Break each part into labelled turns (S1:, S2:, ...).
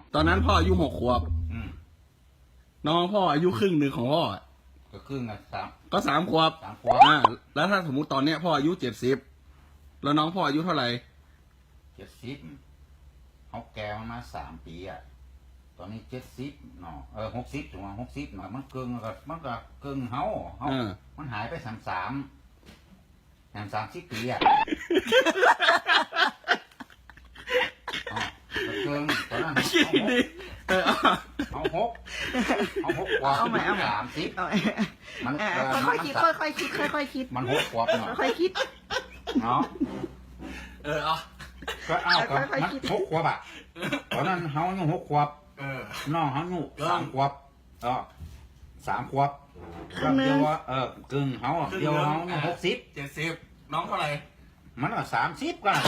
S1: ตอนนั้นพ่ออายุ6 ขวบ
S2: อืม
S1: น้องพ่ออายุครึ่งหนึ่งของพ่อ
S2: ก็ครึ่งอ่ะ
S1: ก็ 3 ขวบ
S2: 3 ขวบ
S1: แล้วถ้าสมมุติตอนเนี้ยพ่ออายุ70แล้วน้องพ่ออายุเท่าไหร่
S2: 70เขาแก่มา3 ปีอ่ะตอนนี้70เนาะ60ถึงว่า60เนาะมันเกินก็เกินเฮามันหายไป30 ปีอ่ะเกินตอนนั้นเอา6กว่า30มัน
S3: ค่อยๆคิดค่อยๆคิดค่อยๆคิด
S2: มัน6 ขวบเนาะ
S3: ค่อยๆคิด
S2: เนาะก็เอากับมัน6 ขวบอ่ะตอนนั้นเฮาอยู่6 ขวบน้องเฮาอยู่3 ขวบ3 ขวบก็เดียวว่ากึ่งเฮาเดียวเฮาอยู่
S1: 70น้องเท่าไหร่
S2: มันก็30กัน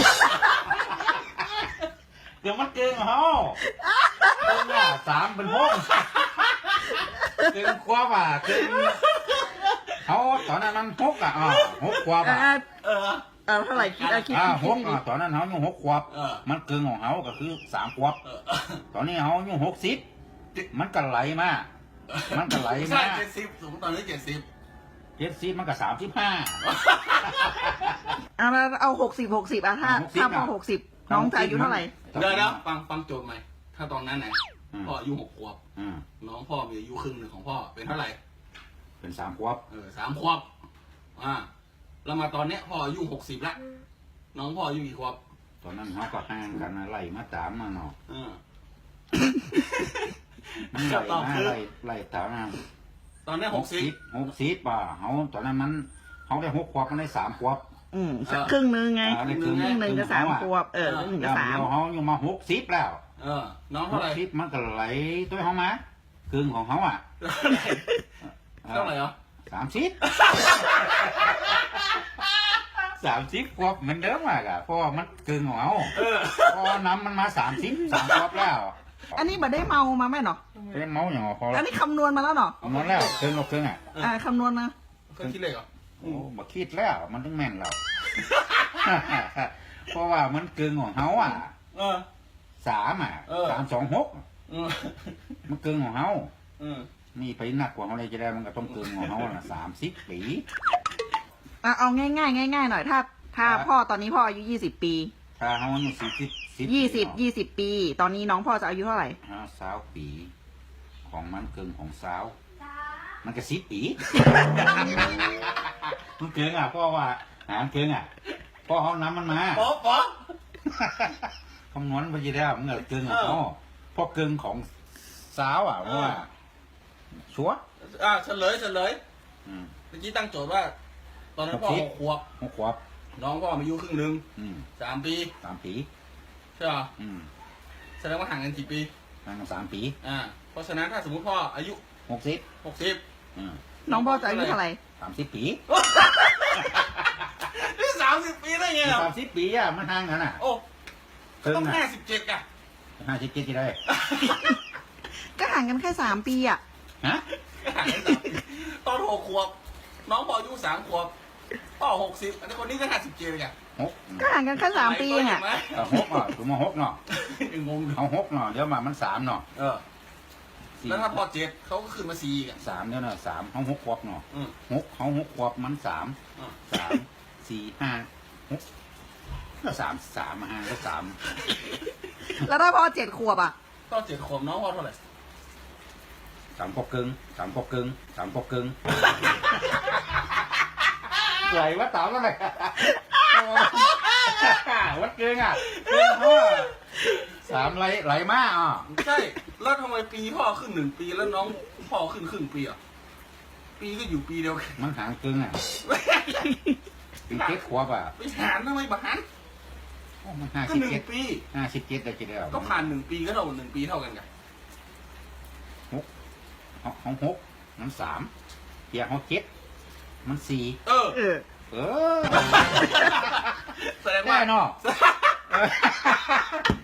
S2: เดี๋ยวมันเกินเฮาเกินอ่ะ3เป็น6เกินขวบอ่ะเกินเฮาตอนนั้นมัน6อ่ะ6 ขวบอ่ะ
S3: เท่าไหร่คิดคิด
S2: 6ตอนนั้นเฮาอยู่6 ขวบมันเกินของเฮาก็คือ3 ขวบตอนนี้เฮาอยู่60มันก็ไหลมา
S1: ใช่70สมมติตอนนี้70
S2: มันก็35
S3: เอา60ถ้าพอ60น้องจะอายุเท่าไหร่
S1: เดี๋ยวฟังโจทย์ใหม่ถ้าตอนนั้นไหนพ่ออายุ6 ขวบน้องพ่อมีอายุครึ่งหนึ่งของพ่อเป็นเท่าไหร่
S2: เป็น3 ขวบ
S1: 3 ขวบแล้วมาตอนเนี้ยพ่ออายุ60แล้วน้องพ่ออายุกี่ขวบ
S2: ตอนนั้นเขาก็ห่างกันไล่มาตามมาเนาะมันไล่ตามมา
S1: ตอนนี้
S2: 60ป่ะเขาตอนนั้นมันเขาได้6 ขวบมันได้3 ขวบ
S3: ครึ่งนึงไงครึ่งนึงก็3 ขวบครึ่งก็3
S2: เขาอยู่มา60แล้ว
S1: น้องเท่าไหร่
S2: มันก็ไหลด้วยเขามาครึ่งของเขาอ่ะ
S1: เท่าไหร่เหรอ
S2: 30 ขวบเหมือนเดิมอ่ะเพราะมันครึ่งของเขาพอน้ำมันมา3 ขวบแล้ว
S3: อันนี้บัดได้เมามาไหมเนาะ
S2: เป็นเมาอย่างพอ
S3: อันนี้คำนวณมาแล้วเนาะ
S2: คำนวณแล้วครึ่งอ่ะ
S3: คำนวณนะ
S1: ก็คิดเลยเหรอ
S2: โอ้บ่คิดแล้วมันต้องแม่นแล้วเพราะว่ามันครึ่งของเขาอ่ะ3 326มันครึ่งของเขานี่ไปหนักกว่าเขาเลยจะได้มันก็ต้องครึ่งของเขาน่ะ30 ปี
S3: เอาง่ายหน่อยถ้าพ่อตอนนี้พ่ออายุ20 ปี
S2: ถ้าเขาอายุ
S3: 20 ปี ตอนนี้น้องพ่อจะอายุเท่าไหร่
S2: 20 ปีของมันเกินของสาวมันก็10 ปีมันเกินอ่ะพ่อว่าหารเกินอ่ะพ่อเขาน้ำมันมา
S1: ป๊อ
S2: คำนวณไปจะได้มันเกินของพ่อเกินของสาวอ่ะเพราะว่าชัว
S1: เฉลยเมื่อกี้ตั้งโจทย์ว่าตอนนั้นพ่อ6 ขวบน้องพ่ออายุครึ่งนึง3 ปีใช่ป่ะแสดงว่าห่างกันกี่ปี
S2: ห่างกัน3 ปี
S1: เพราะฉะนั้นถ้าสมมติพ่ออายุ
S3: น้องพ่อจะอายุเท่าไหร่
S2: 30 ปี
S1: นี่30 ปีได้ไงอ่ะ
S2: 30 ปีอ่ะมันห่างกันอ่ะ
S1: โอ้ต้อง57อ่ะ
S2: 57ที่ได้
S3: ก็ห่างกันแค่3 ปีอ่ะ
S1: ห่างกันตอน6 ขวบน้องพ่ออายุ3 ขวบพ่อ60อันนี้คนนี้ก็57เนี่ย
S3: ก็ห่างกันแค่3 ปี
S2: อ่ะ6อ่ะถูกมา6เนาะ
S1: งง
S2: เอา6เนาะเดี๋ยวมัน3เนาะ
S1: แล้วถ้าพอ7เขาก็ขึ้นมา4กัน
S2: 3เดี๋ยวนะ3เขา6 ขวบเนาะ6เขา6 ขวบมัน3 4 5 6ก็3 5ก็3
S3: แล้วถ้าพอ7 ขวบอ่ะ
S1: ตอน7 ขวบน้องพ่อเท่าไหร่
S2: 3 ขวบครึ่งไหลว่าต๋าแล้วไงวัดเกินอ่ะ3ไหลมาก
S1: ใช่แล้วทำไมปีพ่อขึ้น1 ปีแล้วน้องพ่อขึ้นครึ่งปีอ่ะปีก็อยู่ปีเดียวกัน
S2: มันห่างเกินอ่ะปี7 ขวบอ่ะ
S1: ไปหารทำไมบ้าน
S2: มัน
S1: ก็1 ปี
S2: 57ได้กี่เดียว
S1: ก็ผ่าน1 ปีก็เท่า1 ปีเท่ากันไง
S2: 6มัน3เพียง7มัน4
S1: แสดงว่า
S2: เนาะ